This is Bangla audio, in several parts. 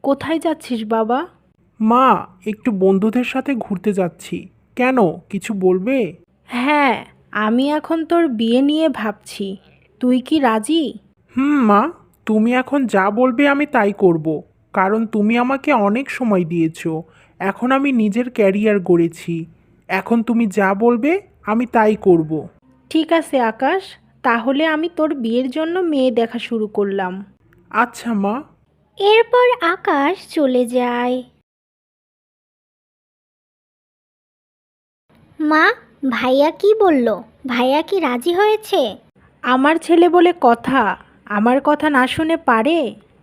কোথায় যাচ্ছিস বাবা? মা, একটু বন্ধুদের সাথে ঘুরতে যাচ্ছি। কেন, কিছু বলবে? হ্যাঁ, আমি এখন তোর বিয়ে নিয়ে ভাবছি। তুই কি রাজি? মা, তুমি এখন যা বলবে আমি তাই করব। কারণ তুমি আমাকে অনেক সময় দিয়েছো। এখন আমি নিজের ক্যারিয়ার গড়েছি। এখন তুমি যা বলবে আমি তাই করব। ঠিক আছে আকাশ, তাহলে আমি তোর বিয়ের জন্য মেয়ে দেখা শুরু করলাম। আচ্ছা মা। এরপর আকাশ চলে যায়। মা, ভাইয়া কি বলল? ভাইয়া কি রাজি হয়েছে? আমার ছেলে বলে কথা, আমার কথা না শুনে পারে?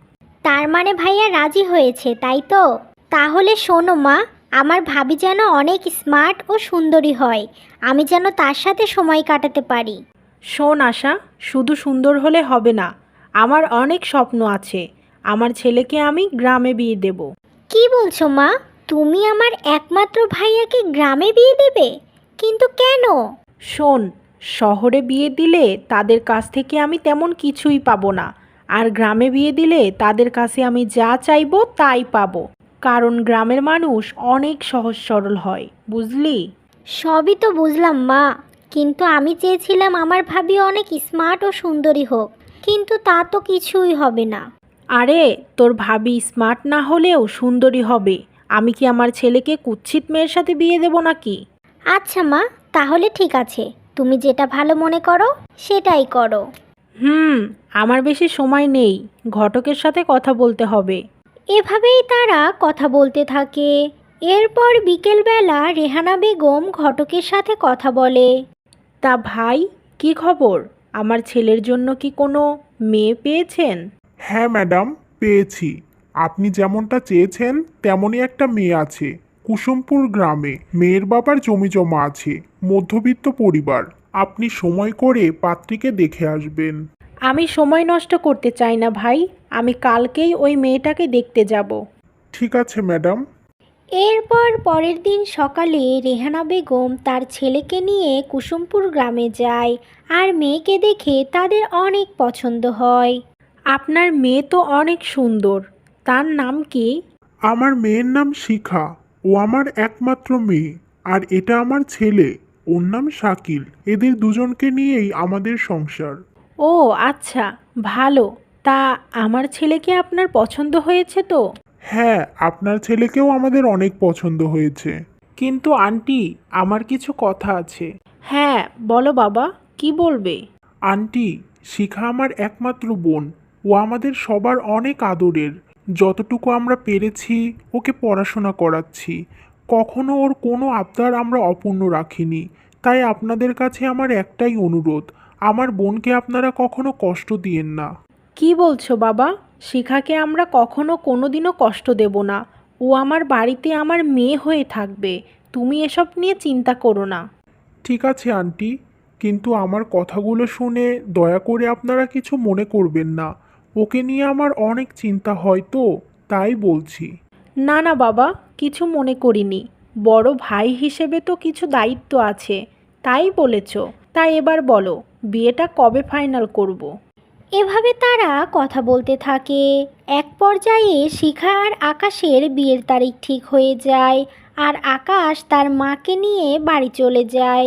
তার মানে ভাইয়া রাজি হয়েছে, তাই তো? তাহলে শোনো মা, আমার ভাবি যেন অনেক স্মার্ট ও সুন্দরী হয়। আমি যেন তার সাথে সময় কাটাতে পারি। শোন আশা, শুধু সুন্দর হলে হবে না। আমার অনেক স্বপ্ন আছে। আমার ছেলেকে আমি গ্রামে বিয়ে দেব। কি বলছো মা? তুমি আমার একমাত্র ভাইয়াকে গ্রামে বিয়ে দেবে? কিন্তু কেন? শোন, শহরে বিয়ে দিলে তাদের কাছ থেকে আমি তেমন কিছুই পাবো না। আর গ্রামে বিয়ে দিলে তাদের কাছে আমি যা চাইবো তাই পাবো। কারণ গ্রামের মানুষ অনেক সহজ সরল হয়, বুঝলি? সবই তো বুঝলাম মা, কিন্তু আমি চেয়েছিলাম আমার ভাবি অনেক স্মার্ট ও সুন্দরী হোক। কিন্তু তা তো কিছুই হবে না। আরে, তোর ভাবি স্মার্ট না হলেও সুন্দরী হবে। আমি কি আমার ছেলেকে কুৎসিত মেয়ের সাথে বিয়ে দেবো নাকি? আচ্ছা মা, তাহলে ঠিক আছে। তুমি যেটা ভালো মনে করো সেটাই করো। হুম, আমার বেশি সময় নেই। ঘটকের সাথে কথা বলতে হবে। এভাবেই তারা কথা বলতে থাকে। এরপর বিকেলবেলা রেহানা বেগম ঘটকের সাথে কথা বলে। তা ভাই, কি খবর? আমার ছেলের জন্য কি কোনো মেয়ে পেয়েছেন? হ্যাঁ ম্যাডাম, পেয়েছি। আপনি যেমনটা চেয়েছেন তেমনই একটা মেয়ে আছে। কুসুমপুর গ্রামে মেয়ের বাবার জমি জমা আছে। মধ্যবিত্ত পরিবার। আপনি সময় করে পাত্রীকে দেখে আসবেন। আমি সময় নষ্ট করতে চাই না ভাই। আমি কালকেই ওই মেয়েটাকে দেখতে যাব। ঠিক আছে ম্যাডাম। এরপর পরের দিন সকালে রেহানা বেগম তার ছেলেকে নিয়ে কুসুমপুর গ্রামে যায়। আর মেয়েকে দেখে তাদের অনেক পছন্দ হয়। আপনার মেয়ে তো অনেক সুন্দর। তার নাম কি? আমার মেয়ের নাম শিখা। ও আমার একমাত্র মেয়ে। আর এটা আমার ছেলে। ওর নাম শাকিল। এদের দুজনকে নিয়েই আমাদের সংসার। ও আচ্ছা, ভালো। তা আমার ছেলেকে আপনার পছন্দ হয়েছে তো? হ্যাঁ, আপনার ছেলেকেও আমাদের অনেক পছন্দ হয়েছে। কিন্তু আন্টি, আমার কিছু কথা আছে। হ্যাঁ, বলো বাবা, কি বলবে? আন্টি, শিখা আমার একমাত্র বোন। ও আমাদের সবার অনেক আদরের। যতটুকু আমরা পেরেছি ওকে পড়াশোনা করাচ্ছি। কখনো ওর কোনো আবদার আমরা অপূর্ণ রাখিনি। তাই আপনাদের কাছে আমার একটাই অনুরোধ, আমার বোনকে আপনারা কখনো কষ্ট দিয়েন না। কি বলছো বাবা? শিখাকে আমরা কখনো কোনোদিনও কষ্ট দেব না। ও আমার বাড়িতে আমার মেয়ে হয়ে থাকবে। তুমি এসব নিয়ে চিন্তা করো না। ঠিক আছে আন্টি, কিন্তু আমার কথাগুলো শুনে দয়া করে আপনারা কিছু মনে করবেন না। ওকে নিয়ে আমার অনেক চিন্তা হয় তো, তাই বলছি। না না বাবা, কিছু মনে করিনি। বড় ভাই হিসেবে তো কিছু দায়িত্ব আছে, তাই বলেছ। তাই এবার বলো, বিয়েটা কবে ফাইনাল করব? এভাবে তারা কথা বলতে থাকে। এক পর্যায়ে শিখা আর আকাশের বিয়ের তারিখ ঠিক হয়ে যায়। আর আকাশ তার মাকে নিয়ে বাড়ি চলে যায়।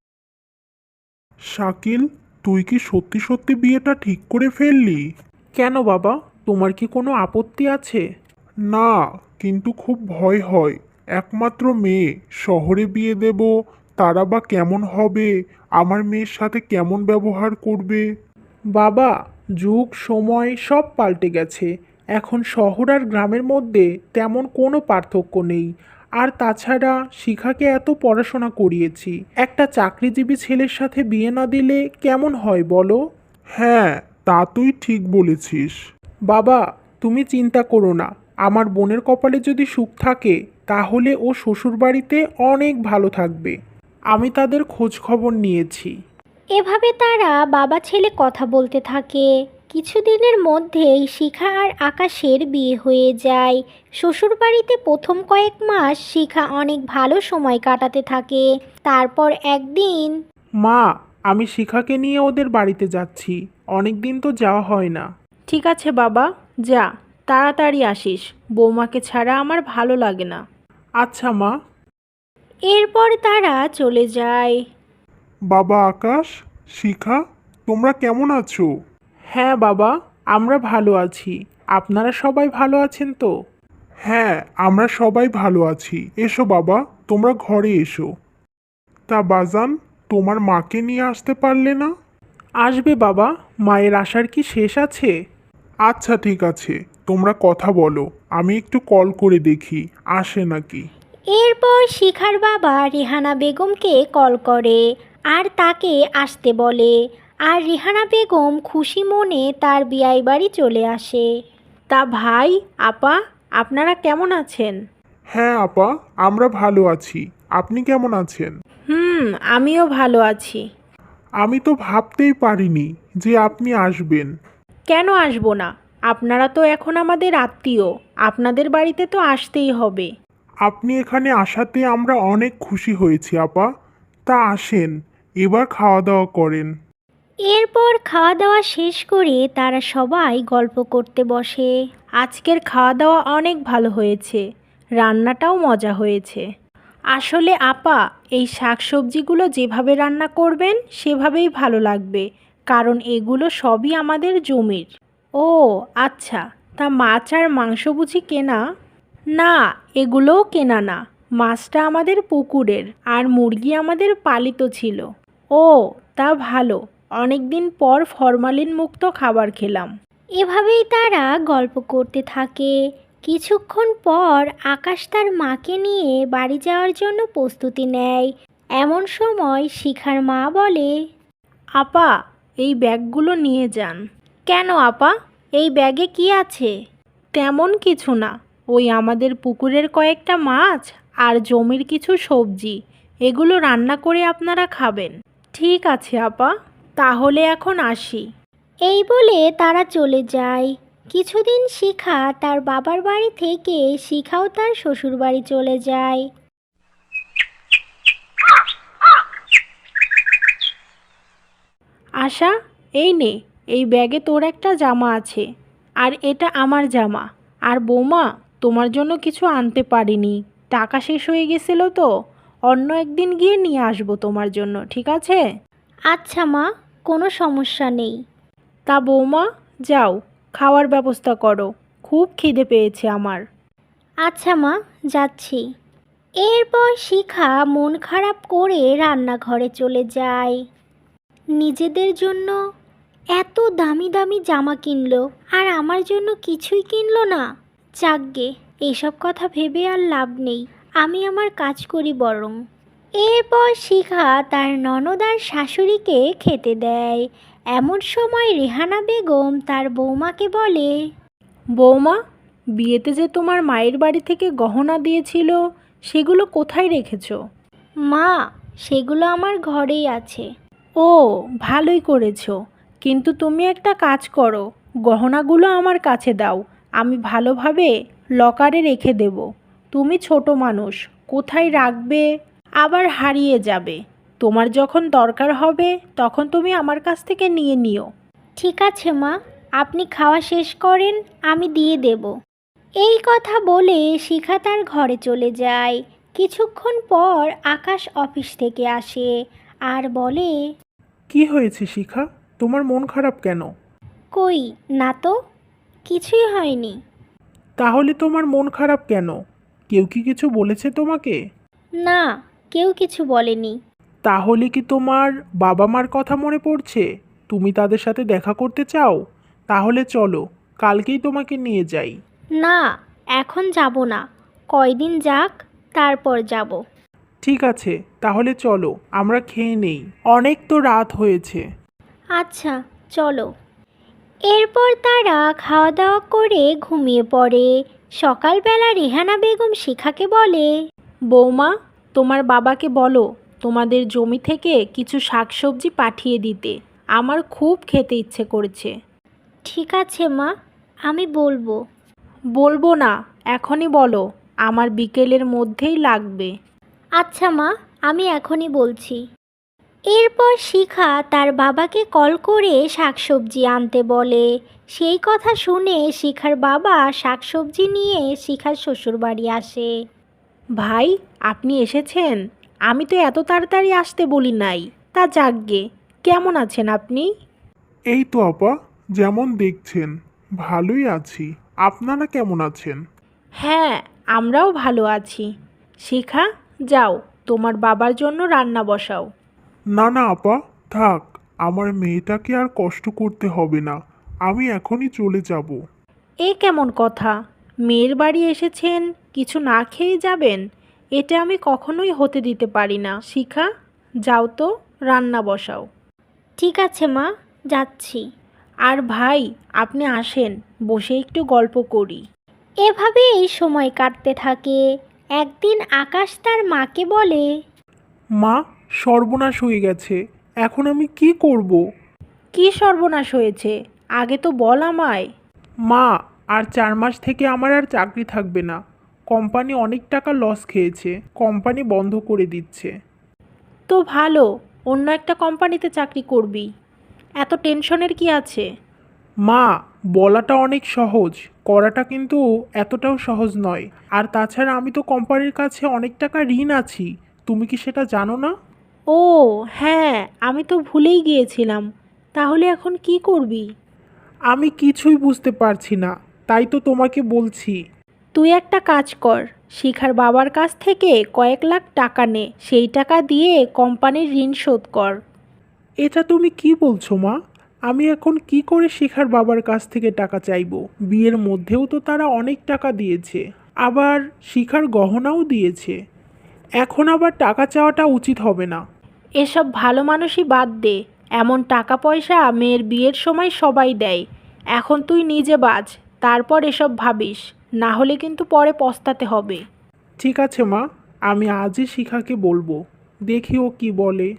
শাকিল, তুই কি সত্যি সত্যি বিয়েটা ঠিক করে ফেললি? কেন বাবা, তোমার কি কোনো আপত্তি আছে? না, কিন্তু খুব ভয় হয়। একমাত্র মেয়ে, শহরে বিয়ে দেব, তারা বা কেমন হবে, আমার মেয়ের সাথে কেমন ব্যবহার করবে। বাবা, যুগ সময় সব পাল্টে গেছে। এখন শহর আর গ্রামের মধ্যে তেমন কোনো পার্থক্য নেই। আর তাছাড়া শিখাকে এত পড়াশোনা করিয়েছি, একটা চাকরিজীবী ছেলের সাথে বিয়ে না দিলে কেমন হয় বলো? হ্যাঁ, তা তুই ঠিক বলেছিস। বাবা, তুমি চিন্তা করো না। আমার বোনের কপালে যদি সুখ থাকে তাহলে ও শ্বশুরবাড়িতে অনেক ভালো থাকবে। আমি তাদের খোঁজ খবর নিয়েছি। এভাবে তারা বাবা ছেলে কথা বলতে থাকে। কিছুদিনের মধ্যেই শিখা আর আকাশের বিয়ে হয়ে যায়। শ্বশুরবাড়িতে প্রথম কয়েক মাস শিখা অনেক ভালো সময় কাটাতে থাকে। তারপর একদিন মা, আমি শিখাকে নিয়ে ওদের বাড়িতে যাচ্ছি। অনেক দিন তো যাওয়া হয় না। ঠিক আছে বাবা, যা। তাড়াতাড়ি আসিস, বৌমাকে ছাড়া আমার ভালো লাগে না। আচ্ছা মা। এরপর তারা চলে যায়। বাবা আকাশ, শিখা, তোমরা কেমন আছো? হ্যাঁ বাবা, আমরা ভালো আছি। আপনারা সবাই ভালো আছেন তো? হ্যাঁ, আমরা সবাই ভালো আছি। এসো বাবা, তোমরা ঘরে এসো। তা বাজান, তোমার মাকে নিয়ে আসতে পারলে না? আসবে বাবা, মায়ের আসার কি শেষ আছে? আচ্ছা ঠিক আছে, তোমরা কথা বলো, আমি একটু কল করে দেখি আসে নাকি। এরপর শিখার বাবা রেহানা বেগমকে কল করে আর তাকে আসতে বলে। আর রেহানা বেগম খুশি মনে তার বিয়াই বাড়ি চলে আসে। তা ভাই, আপা, আপনারা কেমন আছেন? হ্যাঁ আপা, আমরা ভালো আছি। আপনি কেমন আছেন? আমিও ভালো আছি। আমি তো ভাবতেই পারিনি যে আপনি আসবেন। কেন আসবো না? আপনারা তো এখন আমাদের আত্মীয়, আপনাদের বাড়িতে তো আসতেই হবে। আপনি এখানে আসাতে আমরা অনেক খুশি হয়েছি আপা। তা আসেন, এবার খাওয়া দাওয়া করেন। এরপর খাওয়া দাওয়া শেষ করে তারা সবাই গল্প করতে বসে। আজকের খাওয়া দাওয়া অনেক ভালো হয়েছে, রান্নাটাও মজা হয়েছে। আসলে আপা, এই শাকসবজিগুলো যেভাবে রান্না করবেন সেভাবেই ভালো লাগবে, কারণ এগুলো সবই আমাদের জমির। ও আচ্ছা, তা মাছ আর মাংস বুঝি কেনা? না, এগুলোও কেনা না। মাছটা আমাদের পুকুরের, আর মুরগি আমাদের পালিত ছিল। ও, তা ভালো, অনেক দিন পর ফরমালিন মুক্ত খাবার খেলাম। এভাবেই তারা গল্প করতে থাকে। কিছুক্ষণ পর আকাশ তার মাকে নিয়ে বাড়ি যাওয়ার জন্য প্রস্তুতি নেয়। এমন সময় শিখার মা বলে, আপা, এই ব্যাগগুলো নিয়ে যান। কেন আপা, এই ব্যাগে কি আছে? তেমন কিছু না, ওই আমাদের পুকুরের কয়েকটা মাছ আর জমির কিছু সবজি, এগুলো রান্না করে আপনারা খাবেন। ঠিক আছে আপা, তাহলে এখন আসি। এই বলে তারা চলে যায়। কিছুদিন শিখা তার বাবার বাড়ি থেকে শিখাও তার শ্বশুর বাড়ি চলে যায়। আশা, এই নে, এই ব্যাগে তোর একটা জামা আছে, আর এটা আমার জামা। আর বৌমা, তোমার জন্য কিছু আনতে পারিনি, টাকা শেষ হয়ে গেছিল তো, অন্য একদিন গিয়ে নিয়ে আসবো তোমার জন্য, ঠিক আছে? আচ্ছা মা, কোনো সমস্যা নেই। তা বৌমা, যাও, খাওয়ার ব্যবস্থা করো, খুব খিদে পেয়েছে আমার। আচ্ছা মা, যাচ্ছি। এরপর শিখা মন খারাপ করে রান্নাঘরে চলে যায়। নিজেদের জন্য এত দামি দামি জামা কিনলো আর আমার জন্য কিছুই কিনলো না। যাকগে, এইসব কথা ভেবে আর লাভ নেই, আমি আমার কাজ করি বরং। এরপর শিখা তার ননদ আর শাশুড়িকে খেতে দেয়। এমন সময় রেহানা বেগম তার বৌমাকে বলে, বৌমা, বিয়েতে যে তোমার মায়ের বাড়ি থেকে গহনা দিয়েছিল, সেগুলো কোথায় রেখেছো? মা, সেগুলো আমার ঘরেই আছে। ও, ভালোই করেছো, কিন্তু তুমি একটা কাজ করো, গহনাগুলো আমার কাছে দাও, আমি ভালোভাবে লকারে রেখে দেব। তুমি ছোট মানুষ, কোথায় রাখবে, আবার হারিয়ে যাবে। তোমার যখন দরকার হবে তখন তুমি আমার কাছ থেকে নিয়ে নিও। ঠিক আছে মা, আপনি খাওয়া শেষ করেন, আমি দিয়ে দেব। এই কথা বলে শিখা তার ঘরে চলে যায়। কিছুক্ষণ পর আকাশ অফিস থেকে আসে আর বলে, কি হয়েছে শিখা, তোমার মন খারাপ কেন? কই না তো, কিছুই হয়নি। তাহলে তোমার মন খারাপ কেন? কেউ কি কিছু বলেছে তোমাকে? না, কেউ কিছু বলেনি। তাহলে কি তোমার বাবা মার কথা মনে পড়ছে? তুমি তাদের সাথে দেখা করতে চাও? তাহলে চলো, কালকেই তোমাকে নিয়ে যাই। না, এখন যাব না, কয়দিন যাক, তারপর যাব। ঠিক আছে, তাহলে চলো, আমরা খেয়ে নেই, অনেক তো রাত হয়েছে। আচ্ছা, চলো। এরপর তারা খাওয়া দাওয়া করে ঘুমিয়ে পড়ে। সকালবেলা রেহানা বেগম শিখাকে বলে, বৌমা, তোমার বাবাকে বলো তোমাদের জমি থেকে কিছু শাকসবজি পাঠিয়ে দিতে, আমার খুব খেতে ইচ্ছে করছে। ঠিক আছে মা, আমি বলবো। বলবো না, এখনই বলো, আমার বিকেলের মধ্যেই লাগবে। আচ্ছা মা, আমি এখনই বলছি। এরপর শিখা তার বাবাকে কল করে শাকসবজি আনতে বলে। সেই কথা শুনে শিখার বাবা শাকসবজি নিয়ে শিখার শ্বশুরবাড়ি আসে। ভাই, আপনি এসেছেন? আমি তো এত তাড়াতাড়ি আসতে বলি নাই। তা যাকগে, কেমন আছেন আপনি? এই তো আপা, যেমন দেখছেন ভালোই আছি। আপনারা কেমন আছেন? হ্যাঁ, আমরাও ভালো আছি। শিখা, যাও, তোমার বাবার জন্য রান্না বসাও। না না আপা, থাক, আমার মেয়েটাকে আর কষ্ট করতে হবে না। আমি এখনই চলে যাব। এ কেমন কথা? মেয়ের বাড়ি এসেছেন, কিছু না খেয়ে যাবেন? এটা আমি কখনোই হতে দিতে পারি না। শিখা, যাও তো, রান্না বসাও। ঠিক আছে মা, যাচ্ছি। আর ভাই, আপনি আসেন, বসে একটু গল্প করি। এভাবেই সময় কাটতে থাকে। একদিন আকাশ তার মাকে বলে, মা, সর্বনাশ হয়ে গেছে। এখন আমি কি করব? কি সর্বনাশ হয়েছে? আগে তো বল আমায়। মা, আর 4 মাস থেকে আমার আর চাকরি থাকবে না। কোম্পানি অনেক টাকা লস খেয়েছে, কোম্পানি বন্ধ করে দিচ্ছে। তো ভালো, অন্য একটা কোম্পানিতে চাকরি করবি। এত টেনশনের কি আছে? মা, বলাটা অনেক সহজ, করাটা কিন্তু এতটাও সহজ নয়। আর তাছাড়া আমি তো কোম্পানির কাছে অনেক টাকা ঋণ আছি। তুমি কি সেটা জানো না? ও হ্যাঁ, আমি তো ভুলেই গিয়েছিলাম। তাহলে এখন কি করবি? আমি কিছুই বুঝতে পারছি না, তাই তো তোমাকে বলছি। তুই একটা কাজ কর, শিখার বাবার কাছ থেকে কয়েক লাখ টাকা নে, সেই টাকা দিয়ে কোম্পানির ঋণ শোধ কর। এটা তুমি কি বলছো মা? আমি এখন কি করে শিখার বাবার কাছ থেকে টাকা চাইবো? বিয়ের মধ্যেও তো তারা অনেক টাকা দিয়েছে, আবার শিখার গহনাও দিয়েছে। এখন আবার টাকা চাওয়াটা উচিত হবে না। এসব ভালো মানুষই বাদ দে। এমন টাকা পয়সা মেয়ের বিয়ের সময় সবাই দেয়। এখন তুই নিজে বাঁচ, তারপর এসব ভাবিস, না হলে কিন্তু পরে পস্তাতে হবে। ঠিক আছে মা, আমি আজই শিখাকে বলবো, দেখি ও কি বলে।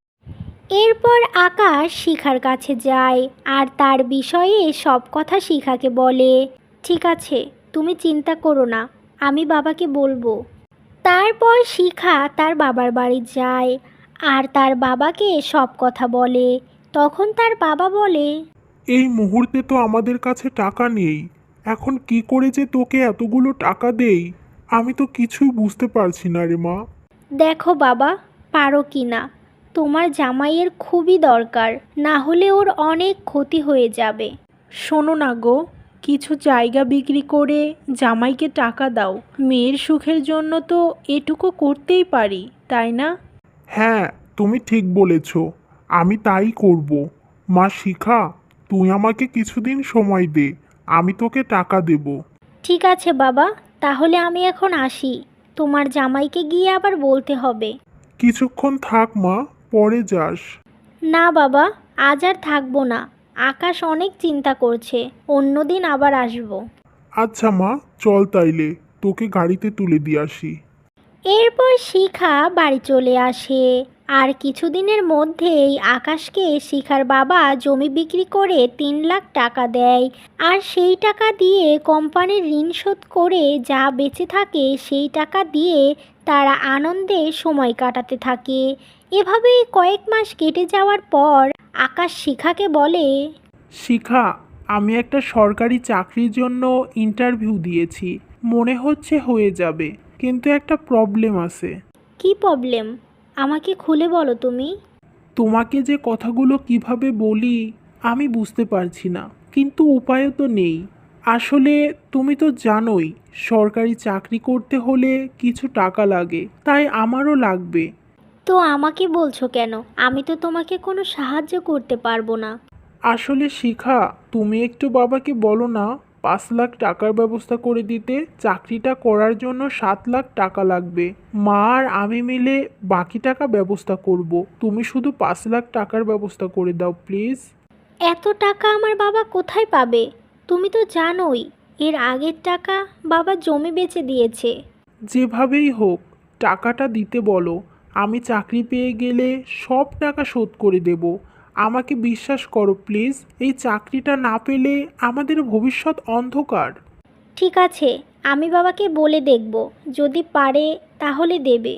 এরপর আকাশ শিখার কাছে যায় আর তার বিষয়ে সব কথা শিখাকে বলে। ঠিক আছে, তুমি চিন্তা করো না, আমি বাবাকে বলবো। তারপর শিখা তার বাবার বাড়ি যায় আর তার বাবাকে সব কথা বলে। তখন তার বাবা বলে, এই মুহূর্তে তো আমাদের কাছে টাকা নেই। এখন কি করে যে তোকে এতগুলো টাকা দেই, আমি তো কিছুই বুঝতে পারছি না রে মা। দেখো বাবা, পারো কি না। তোমার জামাইয়ের খুবই দরকার, না হলে ওর অনেক ক্ষতি হয়ে যাবে। শোনো না গো, কিছু জায়গা বিক্রি করে জামাইকে টাকা দাও। মেয়ের সুখের জন্য তো এটুকু করতেই পারি, তাই না? হ্যাঁ, তুমি ঠিক বলেছ, আমি তাই করব। মা শিখা, তুই আমাকে কিছুদিন সময় দে, আমি তোকে টাকা দেব। ঠিক আছে বাবা, তাহলে আমি এখন আসি। তোমার জামাইকে গিয়ে আবার বলতে হবে। কিছুক্ষণ থাক মা, পরে যাস। না বাবা, আজ আর থাকবো না। আকাশ অনেক চিন্তা করছে, অন্যদিন আবার আসবো। আচ্ছা মা, চল তাইলে, তোকে গাড়িতে তুলে দিয়ে আসি। এরপর শিখা বাড়ি চলে আসে আর কিছুদিনের মধ্যেই আকাশকে শিখার বাবা জমি বিক্রি করে 3 লাখ টাকা দেয়। আর সেই টাকা দিয়ে কোম্পানির ঋণ শোধ করে যা বেঁচে থাকে সেই টাকা দিয়ে তারা আনন্দে সময় কাটাতে থাকে। এভাবেই কয়েক মাস কেটে যাওয়ার পর আকাশ শিখাকে বলে, শিখা, আমি একটা সরকারি চাকরির জন্য ইন্টারভিউ দিয়েছি, মনে হচ্ছে হয়ে যাবে, কিন্তু একটা প্রবলেম আছে। কি প্রবলেম? আমাকে খুলে বলো তুমি। তোমাকে যে কথাগুলো কিভাবে বলি আমি বুঝতে পারছি না, কিন্তু উপায়ও তো নেই। আসলে তুমি তো জানোই, সরকারি চাকরি করতে হলে কিছু টাকা লাগে, তাই আমারও লাগবে। তো আমাকে বলছো কেন? আমি তো তোমাকে কোনো সাহায্য করতে পারবো না। আসলে শিখা, তুমি একটু বাবাকে বলো না, 5 লাখ টাকার ব্যবস্থা করে দিতে। চাকরিটা করার জন্য 7 লাখ টাকা লাগবে। মা আর আমি মিলে বাকি টাকা ব্যবস্থা করব। তুমি শুধু 5 লাখ টাকার ব্যবস্থা করে দাও প্লিজ। এত টাকা আমার বাবা কোথায় পাবে? তুমি তো জানোই, এর আগের টাকা বাবা জমি বেচে দিয়েছে। যেভাবেই হোক টাকাটা দিতে বলো। আমি চাকরি পেয়ে গেলে সব টাকা শোধ করে দেব। আমাকে বিশ্বাস করো প্লিজ, এই চাকরিটা না পেলে আমাদের ভবিষ্যৎ অন্ধকার। ঠিক আছে, আমি বাবাকে বলে দেখব, যদি পারে তাহলে দেবে।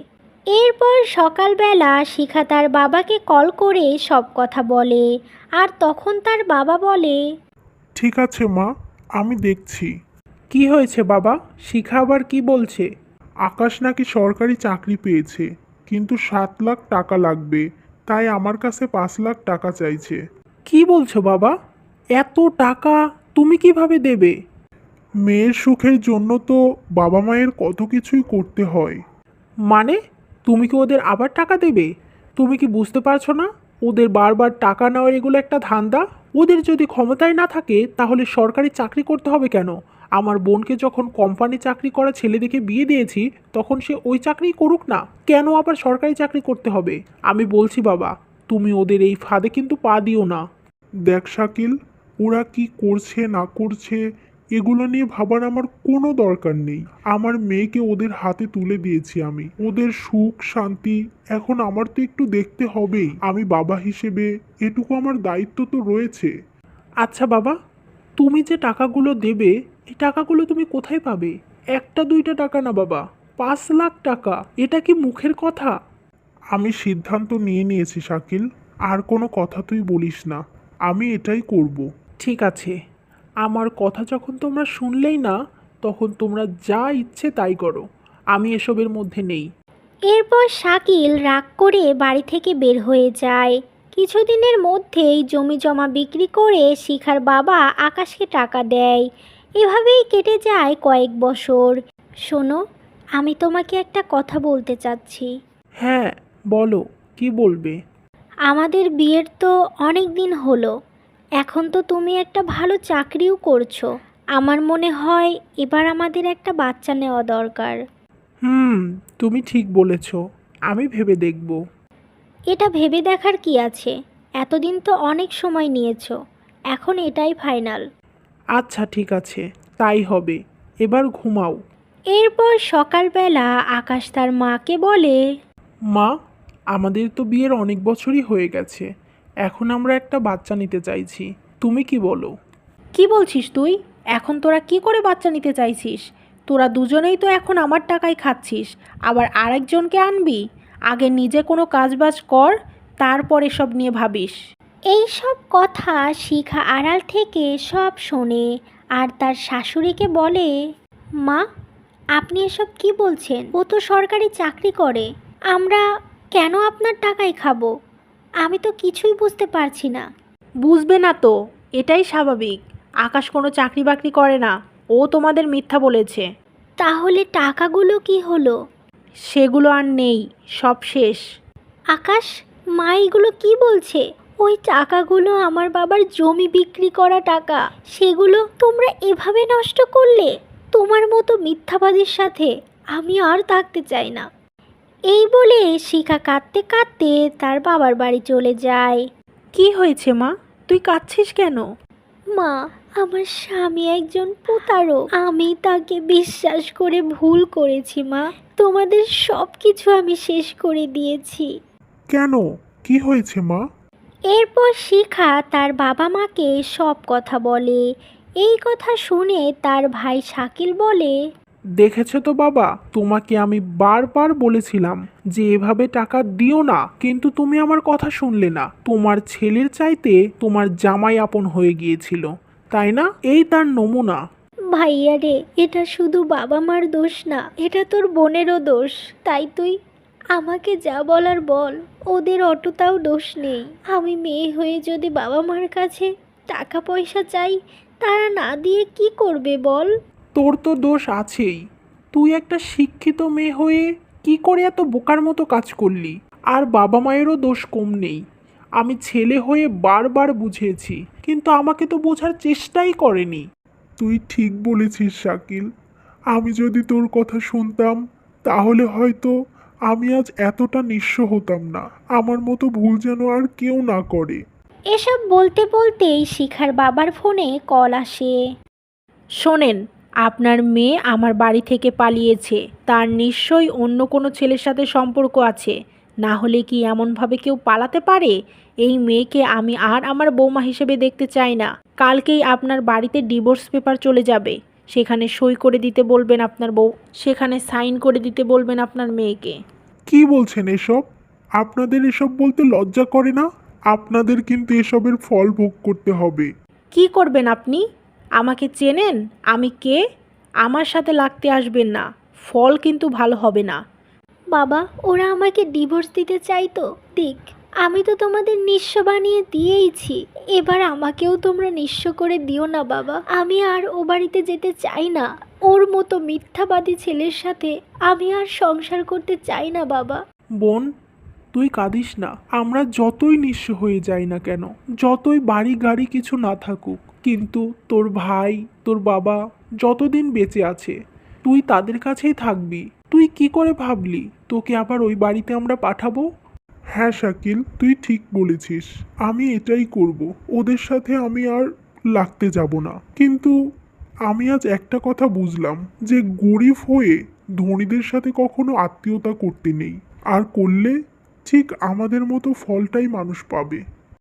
এরপর সকালবেলা শিখা তার বাবাকে কল করে সব কথা বলে। আর তখন তার বাবা বলে, ঠিক আছে মা, আমি দেখছি। কি হয়েছে বাবা? শিখা আবার কি বলছে? আকাশ নাকি সরকারি চাকরি পেয়েছে, কিন্তু 7 লাখ টাকা লাগবে, তাই আমার কাছে 5 লাখ টাকা চাইছে। কি বলছো বাবা? এত টাকা তুমি কিভাবে দেবে? মেয়ের সুখের জন্য তো বাবা মায়ের কত কিছুই করতে হয়। মানে তুমি কি ওদের আবার টাকা দেবে? তুমি কি বুঝতে পারছো না ওদের বারবার টাকা নেওয়ার এগুলো একটা ধান্দা? ওদের যদি ক্ষমতায় না থাকে তাহলে সরকারি চাকরি করতে হবে কেন? আমার বোনকে যখন কোম্পানি চাকরি করা ছেলে দেখে বিয়ে দিয়েছি তখন সে ওই চাকরি করুক না, কেন আবার সরকারি চাকরি করতে হবে? আমি বলছি বাবা, তুমি ওদের এই ফাঁদে কিন্তু পা দিও না। দেখ শাকিল, ওরা কি করছে না করছে এগুলো নিয়ে ভাবার আমার কোনো দরকার নেই। আমার মেয়েকে ওদের হাতে তুলে দিয়েছি আমি, ওদের সুখ শান্তি এখন আমার তো একটু দেখতে হবেই। আমি বাবা হিসেবে এটুকু আমার দায়িত্ব তো রয়েছে। আচ্ছা বাবা, তুমি যে টাকাগুলো দেবে এই টাকাগুলো তুমি কোথায় পাবে? একটা দুইটা টাকা না বাবা, 5 লাখ টাকা! এটা কি মুখের কথা? আমি সিদ্ধান্ত নিয়ে নিয়েছি শাকিল, আর কোনো কথা তুই বলিস না, আমি এটাই করব। ঠিক আছে, আমার কথা যখন তোমরা শুনলেই না তখন তোমরা যা ইচ্ছে তাই করো, আমি এসবের মধ্যে নেই। এরপর শাকিল রাগ করে বাড়ি থেকে বের হয়ে যায়। কিছুদিনের মধ্যেই জমি জমা বিক্রি করে শিখার বাবা আকাশকে টাকা দেয়। এভাবেই কেটে যায় কয়েক বছর। শোনো, আমি তোমাকে একটা কথা বলতে চাচ্ছি। হ্যাঁ বলো, কি বলবে? আমাদের বিয়ের তো অনেক দিন হলো, এখন তো তুমি একটা ভালো চাকরিও করছো। আমার মনে হয় এবার আমাদের একটা বাচ্চা নেওয়া দরকার। তুমি ঠিক বলেছ, আমি ভেবে দেখব। এটা ভেবে দেখার কি আছে? এতদিন তো অনেক সময় নিয়েছো, এখন এটাই ফাইনাল। আচ্ছা ঠিক আছে, তাই হবে, এবার ঘুমাও। এরপর সকালবেলা আকাশ তার মাকে বলে, মা, আমাদের তো বিয়ের অনেক বছরই হয়ে গেছে, এখন আমরা একটা বাচ্চা নিতে চাইছি, তুমি কি বলো? কি বলছিস তুই? এখন তোরা কি করে বাচ্চা নিতে চাইছিস? তোরা দুজনেই তো এখন আমার টাকায় খাচ্ছিস, আবার আরেকজনকে আনবি? আগে নিজে কোনো কাজবাজ কর, তারপর এসব নিয়ে ভাবিস। এই সব কথা শিখা আড়াল থেকে সব শোনে আর তার শাশুড়িকে বলে, মা, আপনি এসব কি বলছেন? ও তো সরকারি চাকরি করে, আমরা কেন আপনার টাকায় খাবো? আমি তো কিছুই বুঝতে পারছি না। বুঝবে না তো, এটাই স্বাভাবিক। আকাশ কোনো চাকরি বাকরি করে না, ও তোমাদের মিথ্যা বলেছে। তাহলে টাকাগুলো কি হলো? সেগুলো আর নেই, সব শেষ। আকাশ, মা এগুলো কি বলছে? ওই টাকাগুলো আমার বাবার জমি বিক্রি করা টাকা, সেগুলো তোমরা এভাবে নষ্ট করলে? তোমার মতো মিথ্যাবাদীর সাথে আমি আর থাকতে চাই না। এই বলে শিখা কাঁদতে কাঁদতে তার বাবার বাড়ি চলে যায়। কি হয়েছে মা, তুই কাঁদছিস কেন? মা, আমার স্বামী একজন প্রতারক, আমি তাকে বিশ্বাস করে ভুল করেছি মা। তোমাদের সব কিছু আমি শেষ করে দিয়েছি। কেন, কি হয়েছে মা? এরপর শিখা তার বাবা মাকে সব কথা বলে। এই কথা শুনে তার ভাই শাকিল বলে, দেখেছো তো বাবা, তোমাকে আমি বারবার বলেছিলাম যে এভাবে টাকা দিও না, কিন্তু তুমি আমার কথা শুনলে না। তোমার ছেলের চাইতে তোমার জামাই আপন হয়ে গিয়েছিল, তাই না? এই তার নমুনা। ভাইয়া রে, এটা শুধু বাবা মার দোষ না, এটা তোর বোনেরও দোষ। তাই তুই আমাকে যা বলার বল, ওদের অতটাও দোষ নেই। আমি মেয়ে হয়ে যদি বাবা মার কাছে টাকা পয়সা চাই, তারা না দিয়ে কি করবে বল? তোর তো দোষ আছেই, তুই একটা শিক্ষিত মেয়ে হয়ে কি করে এত বোকার মতো কাজ করলি? আর বাবা মায়েরও দোষ কম নেই। আমি ছেলে হয়ে বারবার বুঝিয়েছি, কিন্তু আমাকে তো বোঝার চেষ্টাই করেনি। তুই ঠিক বলেছিস শাকিল, আমি যদি তোর কথা শুনতাম তাহলে হয়তো আমি আজ এতটা নিঃস্ব হতাম না। আমার মতো ভুল যেন আর কেউ না করে। এসব বলতে বলতেই শিখার বাবার ফোনে কল আসে। শোনেন, আপনার মেয়ে আমার বাড়ি থেকে পালিয়েছে, তার নিশ্চয়ই অন্য কোনো ছেলের সাথে সম্পর্ক আছে, না হলে কি এমনভাবে কেউ পালাতে পারে? এই মেয়েকে আমি আর আমার বৌমা হিসেবে দেখতে চাই না। কালকেই আপনার বাড়িতে ডিভোর্স পেপার চলে যাবে, সেখানে সই করে দিতে বলবেন আপনার বউ, সেখানে সাইন করে দিতে বলবেন আপনার মেয়েকে। কি বলছেন এসব? আপনাদের এসব বলতে লজ্জা করে না? আপনাদের কিন্তু এসবের ফল ভোগ করতে হবে। কি করবেন আপনি? আমাকে চেনেন? আমি কে? আমার সাথে লাগতে আসবেন না। ফল কিন্তু ভালো হবে না। বাবা, ওরা আমাকে ডিভোর্স দিতে চাইতো, দিক। আমি তো তোমাদের নিঃস্ব বানিয়ে দিয়েইছি, এবার আমাকেও তোমরা নিঃস্ব করে দিও না বাবা। আমি আর ও বাড়িতে যেতে চাই না। ওর মতো মিথ্যাবাদী ছেলের সাথে আমি আর সংসার করতে চাই না বাবা। বোন, তুই কাঁদিস না। আমরা যতই নিঃস্ব হয়ে যাই না কেন, যতই বাড়ি গাড়ি কিছু না থাকুক, কিন্তু তোর ভাই, তোর বাবা যতদিন বেঁচে আছে তুই তাদের কাছেই থাকবি। তুই কি করে ভাবলি তোকে আবার ওই বাড়িতে আমরা পাঠাবো? হ্যাঁ শাকিল, তুই ঠিক বলেছিস। আমি এটাই করব। ওদের সাথে আমি আর লাগতে যাব না। কিন্তু আমি আজ একটা কথা বুঝলাম যে গরিব হয়ে ধনীদের সাথে কখনো আত্মীয়তা করতে নেই। আর করলে ঠিক আমাদের মতো ফলটাই মানুষ পাবে।